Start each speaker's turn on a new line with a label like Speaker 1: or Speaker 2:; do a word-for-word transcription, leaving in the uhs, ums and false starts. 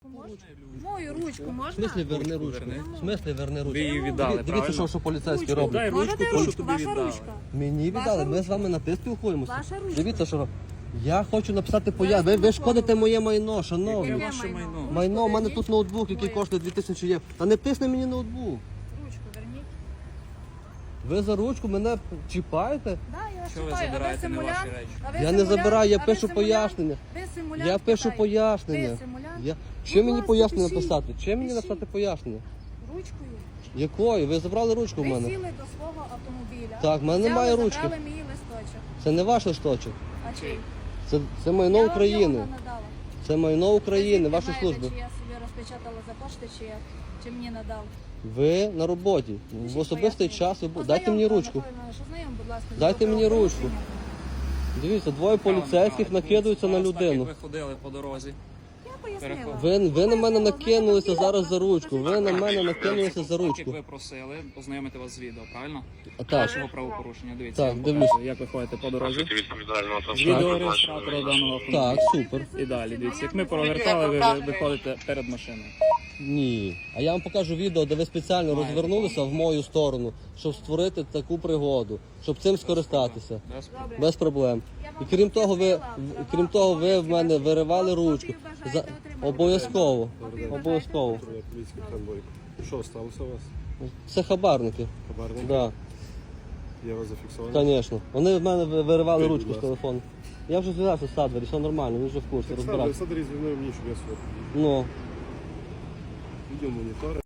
Speaker 1: Можна? Мою ручку
Speaker 2: В
Speaker 1: можна?
Speaker 2: смислі верни ручку?
Speaker 3: верни.
Speaker 2: В смислі верни ручку?
Speaker 3: Ви її віддали,
Speaker 2: Дивіться,
Speaker 3: правильно?
Speaker 2: що, що поліцейські
Speaker 1: Ручку.
Speaker 2: роблять.
Speaker 3: Дай ручку,
Speaker 1: Можете
Speaker 3: то, що
Speaker 1: ручку?
Speaker 3: тобі
Speaker 1: Ваша
Speaker 3: віддали.
Speaker 1: ручка.
Speaker 2: Мені
Speaker 1: Ваша
Speaker 2: віддали, ми
Speaker 1: ручка.
Speaker 2: з вами на ти спілкуємося.
Speaker 1: Ваша ручка.
Speaker 2: Дивіться, що я хочу написати появ. Ви, ви шкодите моє майно,
Speaker 3: Яке
Speaker 2: шановні.
Speaker 1: Яке
Speaker 3: ваше майно?
Speaker 2: Майно, у мене
Speaker 1: Верніть.
Speaker 2: тут ноутбук, який
Speaker 1: Моє.
Speaker 2: коштує дві тисячі євро. Та не тисни мені ноутбук.
Speaker 1: Ручку верніть.
Speaker 2: Ви за ручку мене чіпаєте?
Speaker 1: Да, я вас
Speaker 3: Що ви
Speaker 1: читаю. А
Speaker 3: забираєте
Speaker 1: ви
Speaker 3: не ваші
Speaker 1: симулянт?
Speaker 3: речі?
Speaker 1: А ви
Speaker 2: Я не
Speaker 1: симулянт?
Speaker 2: забираю, я
Speaker 1: А ви
Speaker 2: пишу
Speaker 1: симулянт?
Speaker 2: пояснення.
Speaker 1: Ви симулянт?
Speaker 2: Я пишу
Speaker 1: Питаю.
Speaker 2: пояснення.
Speaker 1: Ви симулянт?
Speaker 2: Я...
Speaker 1: Будь
Speaker 2: Чим мені
Speaker 1: ласка,
Speaker 2: пояснення
Speaker 1: пишіть.
Speaker 2: написати? Чим мені
Speaker 1: Пишіть.
Speaker 2: написати пояснення?
Speaker 1: Ручкою.
Speaker 2: Якою? Ви забрали ручку в
Speaker 1: Ви
Speaker 2: мене?
Speaker 1: сіли до свого автомобіля.
Speaker 2: Так, в мене
Speaker 1: взяли,
Speaker 2: немає ручки.
Speaker 1: забрали мій листочок.
Speaker 2: Це не ваш листочок.
Speaker 1: А чий?
Speaker 2: Це, це майно
Speaker 1: Я вам
Speaker 2: України.
Speaker 1: його надала.
Speaker 2: Це майно України,
Speaker 1: Ви
Speaker 2: ваші
Speaker 1: знаєте,
Speaker 2: служби.
Speaker 1: Чи я собі розпечатала за кошти, чи, я- чи мені надав?
Speaker 2: Ви на роботі. В
Speaker 1: Пишіть
Speaker 2: особистий
Speaker 1: пояснення.
Speaker 2: час ви бу- дайте мені
Speaker 1: Познайом,
Speaker 2: ручку.
Speaker 1: Михайло Іванович, ознайом, будь ласка, з
Speaker 2: Дайте мені
Speaker 1: правопорушенням.
Speaker 2: Дивіться, двоє поліцейських накидуються на
Speaker 3: Вас так,
Speaker 2: людину.
Speaker 3: як ви ходили по дорозі.
Speaker 1: Я пояснила.
Speaker 2: Ви, ви на мене
Speaker 1: Ну,
Speaker 2: накинулися
Speaker 1: ну,
Speaker 2: зараз за
Speaker 1: ну,
Speaker 2: ручку. Ви на мене накинулися за
Speaker 3: Так, як
Speaker 2: ручку.
Speaker 3: ви просили, ознайомити вас з відео, правильно?
Speaker 2: А так,
Speaker 3: Вашого правопорушення. Дивіться,
Speaker 2: Так,
Speaker 3: я вам
Speaker 2: дивлюсь.
Speaker 3: показую, як ви ходите по дорозі.
Speaker 4: відповідального
Speaker 3: З відеореєстратора даного автомобіля.
Speaker 2: так, супер.
Speaker 3: І далі, дивіться, як ми провертали, ви ви виходите перед машиною.
Speaker 2: Ні. А я вам покажу відео, де ви спеціально
Speaker 3: Маєте.
Speaker 2: розвернулися в мою сторону, щоб створити таку пригоду, щоб цим скористатися.
Speaker 3: Без проблем.
Speaker 1: Добре.
Speaker 2: Без проблем.
Speaker 1: Я
Speaker 2: І
Speaker 1: вам
Speaker 2: крім того, ви
Speaker 1: пояснила
Speaker 2: в-
Speaker 1: права,
Speaker 2: крім того, ви в мене
Speaker 1: обов'язки
Speaker 2: виривали
Speaker 1: ваші.
Speaker 2: ручку.
Speaker 1: Копію
Speaker 2: За...
Speaker 1: бажаєте отримати?
Speaker 2: Обов'язково.
Speaker 1: Копію
Speaker 2: Обов'язково.
Speaker 4: Поліцейський конвой. Що сталося у вас?
Speaker 2: Це хабарники.
Speaker 4: Хабарник?
Speaker 2: Да,
Speaker 4: Я вас зафіксований.
Speaker 2: звісно. Вони в мене ви- виривали
Speaker 4: Скажіть,
Speaker 2: ручку
Speaker 4: будь
Speaker 2: з
Speaker 4: ласка.
Speaker 2: телефону. Я вже зв'язався з Садвері, все нормально, він вже в курсі,
Speaker 4: Так,
Speaker 2: розбирався.
Speaker 4: Садарі звільнив мені, щоб я сюди.
Speaker 2: Ну.
Speaker 4: Відео монітори.